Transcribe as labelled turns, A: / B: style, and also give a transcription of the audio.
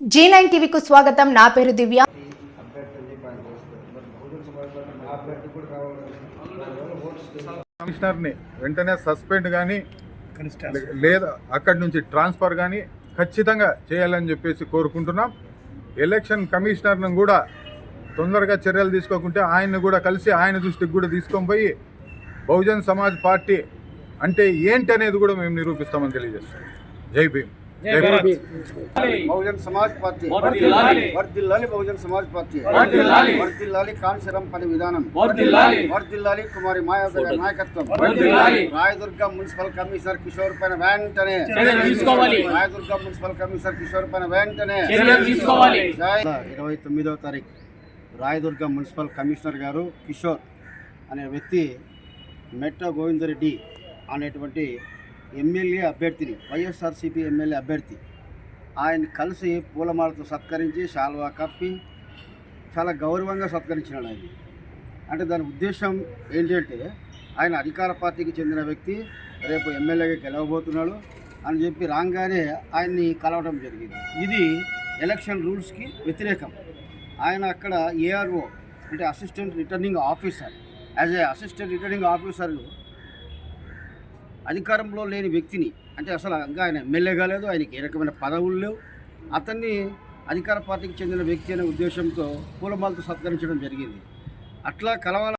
A: G9 టీవీకు స్వాగతం. నా పేరు దివ్య.
B: కమిషనర్ని వెంటనే సస్పెండ్ కానీ లేదా అక్కడి నుంచి ట్రాన్స్ఫర్ కానీ ఖచ్చితంగా చేయాలని చెప్పేసి కోరుకుంటున్నాం. ఎలక్షన్ కమిషనర్ను కూడా తొందరగా చర్యలు తీసుకోకుంటే ఆయన్ని కూడా కలిసి ఆయన దృష్టికి కూడా తీసుకొని పోయి బహుజన్ సమాజ్ పార్టీ అంటే ఏంటి అనేది కూడా మేము నిరూపిస్తామని తెలియజేస్తాం. జై భీమ్.
C: బహుజన్ సమాజ్ పార్టీ వర్ధిల్లాలి. బహుజన్ సమాజ్ పార్టీ వర్ధిల్లాలి. కాన్సరం పని విధానం వర్ధిల్లాలి. కుమారి మాయావతి గారి నాయకత్వం. రాయదుర్గ మున్సిపల్ కమిషనర్ కిషోర్ పైన వెంటనే రాయదుర్గ మున్సిపల్ కమిషనర్ కిషోర్ పైన వెంటనే 29వ తారీఖు రాయదుర్గ మున్సిపల్ కమిషనర్ గారు కిషోర్ అనే వ్యక్తి మెట్ట గోవిందరెడ్డి అనేటువంటి ఎమ్మెల్యే అభ్యర్థిని, వైఎస్ఆర్సీపీ ఎమ్మెల్యే అభ్యర్థి, ఆయన కలిసి పూలమాలతో సత్కరించి శాల్వా కప్పి చాలా గౌరవంగా సత్కరించినాడు. ఆయన అంటే దాని ఉద్దేశం ఏంటంటే ఆయన అధికార పార్టీకి చెందిన వ్యక్తి, రేపు ఎమ్మెల్యేగా గెలవబోతున్నాడు అని చెప్పి రాగానే ఆయన్ని కలవడం జరిగింది. ఇది ఎలక్షన్ రూల్స్కి వ్యతిరేకం. ఆయన అక్కడ ఏఆర్ఓ అంటే assistant returning officer, as a assistant returning officer అధికారంలో లేని వ్యక్తిని, అంటే అసలు ఇంకా ఆయన ఎమ్మెల్యే కాలేదు, ఆయనకి ఏ రకమైన పదవులు లేవు, అతన్ని అధికార పార్టీకి చెందిన వ్యక్తి అనే ఉద్దేశంతో పూలమాలతో సత్కరించడం జరిగింది. అట్లా కలవాల